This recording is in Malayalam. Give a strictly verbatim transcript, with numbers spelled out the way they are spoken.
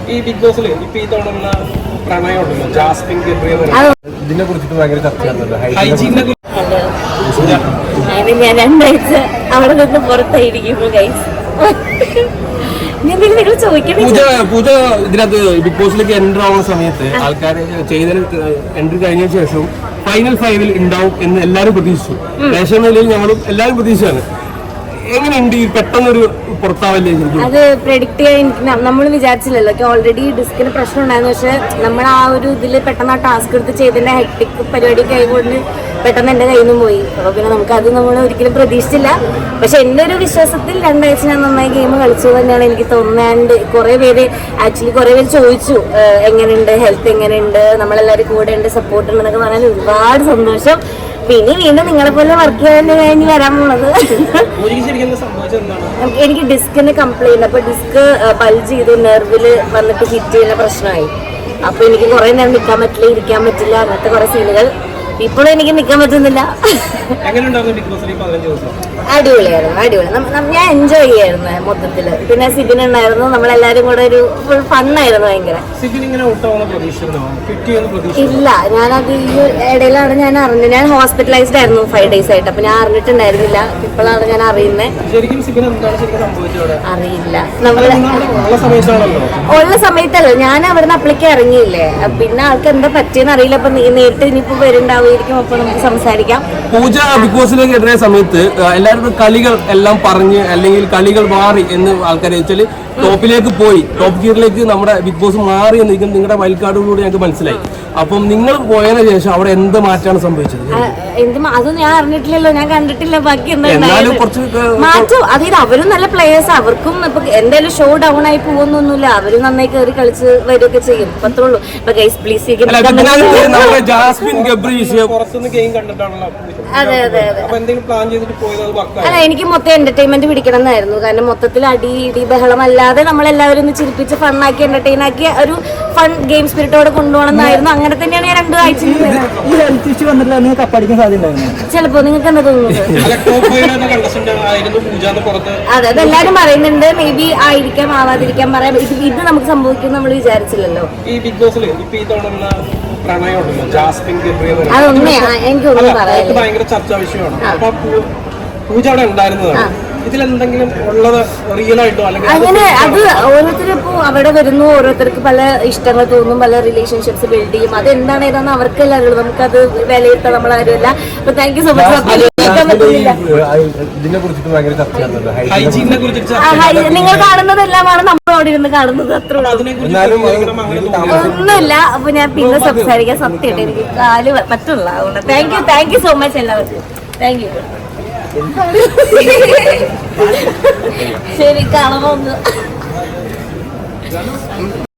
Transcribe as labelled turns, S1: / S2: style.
S1: ഈ ബിഗ് ബോസിൽ ഇപ്പൊ ഈ തുടങ്ങുന്ന പ്രണയമുണ്ടല്ലോ ജാസ്മിൻ ഗബ്രിയെ ഇതിനെ കുറിച്ചിട്ട് ഭയങ്കര ചർച്ചയാണല്ലോ. ഹൈജീനെ
S2: ഞാൻ രണ്ടാഴ്ച അവിടെ നിന്ന് പുറത്തായിരിക്കുന്നു ഗൈസ്.
S3: പൂജ പൂജ ഇതിനകത്ത് ബിഗ് ബോസിലേക്ക് എൻട്രി ആവുന്ന സമയത്ത് ആൾക്കാർ ചെയ്തതിന് എൻട്രി കഴിഞ്ഞ ശേഷം ഫൈനൽ ഫൈവിൽ ഉണ്ടാവും എന്ന് എല്ലാവരും പ്രതീക്ഷിച്ചു. റേഷൻ നിലയിൽ ഞങ്ങളും എല്ലാവരും പ്രതീക്ഷിച്ചാണ്. എങ്ങനെയുണ്ട് ഈ പെട്ടെന്നൊരു പുറത്താവല്ലേ?
S2: അത് പ്രെഡിക്റ്റ് ചെയ്യാൻ നമ്മൾ വിചാരിച്ചില്ലല്ലോ. ഓൾറെഡി ഡിസ്കിന് പ്രശ്നം ഉണ്ടായിരുന്നു. പക്ഷെ നമ്മൾ ആ ഒരു ഇതിൽ പെട്ടെന്ന് ആ ടാസ്ക് എടുത്ത് ചെയ്തതിന്റെ ഹെക്ടിക് പരിപാടിയൊക്കെ ആയതുകൊണ്ട് പെട്ടെന്ന് എന്റെ കയ്യിൽ നിന്നും പോയി. അപ്പോൾ പിന്നെ നമുക്ക് അത് നമ്മൾ ഒരിക്കലും പ്രതീക്ഷിച്ചില്ല. പക്ഷെ എൻ്റെ ഒരു വിശ്വാസത്തിൽ രണ്ടാഴ്ച ഞാൻ നന്നായി ഗെയിം കളിച്ചു തന്നെയാണ് എനിക്ക് തോന്നാണ്ട്. കുറെ പേര് ആക്ച്വലി കുറെ പേര് ചോദിച്ചു എങ്ങനെയുണ്ട്, ഹെൽത്ത് എങ്ങനെയുണ്ട്, നമ്മളെല്ലാവരും കൂടെ ഉണ്ട്, സപ്പോർട്ട് ഉണ്ടെന്നൊക്കെ പറഞ്ഞാൽ ഒരുപാട് സന്തോഷം. പിന്നെ വീണ്ടും നിങ്ങളെ പോലെ വർക്ക് ചെയ്യാൻ കഴിഞ്ഞ് വരാൻ പോണത്. എനിക്ക് ഡിസ്കിന് കംപ്ലൈന്റ്, അപ്പൊ ഡിസ്ക് ബൾജ് ചെയ്തു, നെർവില് വന്നിട്ട് ഹിറ്റ് ചെയ്യുന്ന പ്രശ്നമായി. അപ്പൊ എനിക്ക് കുറെ നേരം നിൽക്കാൻ പറ്റില്ല, ഇരിക്കാൻ പറ്റില്ല, അങ്ങനത്തെ കുറെ സീനുകൾ. ഇപ്പോഴും എനിക്ക് നിൽക്കാൻ പറ്റുന്നില്ല. അടിപൊളിയായിരുന്നു, അടിപൊളി. ഞാൻ എൻജോയ് ചെയ്യായിരുന്നു മൊത്തത്തില്. പിന്നെ സിബിൻ ഉണ്ടായിരുന്നു, നമ്മളെല്ലാരും കൂടെ ഒരു ഫുൾ ഫണ്ണായിരുന്നു ഭയങ്കര. ഇല്ല, ഞാനത് ഈ ഇടയിലാണ് ഞാൻ അറിഞ്ഞത്. ഞാൻ ഹോസ്പിറ്റലൈസ്ഡ് ആയിരുന്നു ഫൈവ് ഡേയ്സ് ആയിട്ട്. അപ്പൊ ഞാൻ അറിഞ്ഞിട്ടുണ്ടായിരുന്നില്ല. ഇപ്പോഴാണ് ഞാൻ അറിയുന്നത്. അറിയില്ല, നമ്മള് ഉള്ള സമയത്തല്ലോ ഞാൻ അവിടുന്ന് അപ്ലിക്ക് ഇറങ്ങിയില്ലേ. പിന്നെ ആൾക്ക് എന്താ പറ്റിയെന്ന് അറിയില്ല. അപ്പൊ നേരിട്ട് ഇനിയിപ്പോ വരുന്നുണ്ടാവുമായിരിക്കും. അപ്പൊ നമുക്ക് സംസാരിക്കാം.
S3: പൂജ ബിഗ് ബോസിലേക്ക് എത്തുന്ന സമയത്ത് എല്ലാവരും കളികൾ എല്ലാം പറഞ്ഞ് അല്ലെങ്കിൽ കളികൾ മാറി എന്ന് ആൾക്കാരെ വെച്ചാല് ടോപ്പിലേക്ക് പോയി, ടോപ്പ് ഗിയറിലേക്ക് നമ്മുടെ ബിഗ് ബോസ് മാറി എന്ന് നിങ്ങളുടെ വൈൽഡ് കാർഡുകളിലൂടെ ഞങ്ങൾക്ക് മനസ്സിലായി. അപ്പം നിങ്ങൾ പോയതിനു ശേഷം അവിടെ എന്ത് മാറ്റമാണ് സംഭവിച്ചത്?
S2: എന്ത് അതൊന്നും ഞാൻ അറിഞ്ഞിട്ടില്ലല്ലോ, ഞാൻ കണ്ടിട്ടില്ല. ബാക്കി എന്തായാലും മാറ്റം. അതായത് അവരും നല്ല പ്ലേയേഴ്സ്, അവർക്കും ഇപ്പൊ എന്തായാലും ഷോ ഡൗൺ ആയി പോകുന്നൊന്നുമില്ല. അവരും നന്നായി കയറി കളിച്ച് വരികയൊക്കെ ചെയ്യും. അത്രേ ഉള്ളൂ. ഇപ്പൊ ഗൈസ് പ്ലീസ്. അതെ അതെ അതെ. അല്ല, എനിക്ക് മൊത്തം എന്റർടൈൻമെന്റ് പിടിക്കണം എന്നായിരുന്നു. കാരണം മൊത്തത്തിൽ അടി ഇടി ബഹളം അല്ലാതെ നമ്മളെല്ലാവരും ഒന്ന് ചിരിപ്പിച്ച് ഫണ്ണാക്കി എന്റർടൈൻ ആക്കി ഒരു ഫൺ ഗെയിം സ്പിരിറ്റോടെ കൊണ്ടുപോകണം എന്നായിരുന്നു. അങ്ങനെ തന്നെയാണ് ഞാൻ രണ്ടു ആഴ്ച. ചിലപ്പോ നിങ്ങൾക്ക് എന്താ തോന്നുന്നത്? അതെ, അതെല്ലാരും പറയുന്നുണ്ട്. മേ ബി ആയിരിക്കാം, ആവാതിരിക്കാൻ പറയാം. ഇത് ഇത് നമുക്ക് സംഭവിക്കും നമ്മൾ വിചാരിച്ചില്ലല്ലോ.
S1: ഈ ബിഗ് ബോസിൽ ഇപ്പൊ ഈ തുടങ്ങുന്ന പ്രണയമുണ്ടല്ലോ ജാസ്മിൻ ഗബ്രിയെ
S2: അതൊന്നും എനിക്കൊന്നും പറയാം.
S1: ഭയങ്കര ചർച്ചാ വിഷയമാണ്. അപ്പൊ പൂജ അവിടെ ഉണ്ടായിരുന്നതാണ്. ഇതിലെന്തെങ്കിലും ഉള്ളത് റിയൽ ആയിട്ടോ അല്ലെങ്കിൽ
S2: അങ്ങനെ അത് ഓരോരുത്തരും ഇപ്പോൾ അവിടെ വരുന്നു, ഓരോരുത്തർക്ക് പല ഇഷ്ടങ്ങൾ തോന്നും, പല റിലേഷൻഷിപ്സ് ബിൽഡ് ചെയ്യും. അത് എന്താണ് ഏതാണെന്ന് അവർക്കല്ല അറിയുള്ളൂ. നമുക്കത് വിലയിരുത്താൻ നമ്മളാരുമല്ല. അപ്പൊ താങ്ക് യു സോ മച്ച്. നിങ്ങൾ കാണുന്നതെല്ലാമാണ് നമ്മൾ അവിടെ ഇരുന്ന് കാണുന്നത്. അത്ര ഒന്നുമില്ല. അപ്പൊ ഞാൻ പിന്നെ സംസാരിക്കാൻ സത്യമായിട്ട് എനിക്ക് കാല് പറ്റുള്ള. അതുകൊണ്ട് thank you thank you so much എല്ലാവർക്കും. Thank you. ശരി, കാണാമോ ഒന്ന്?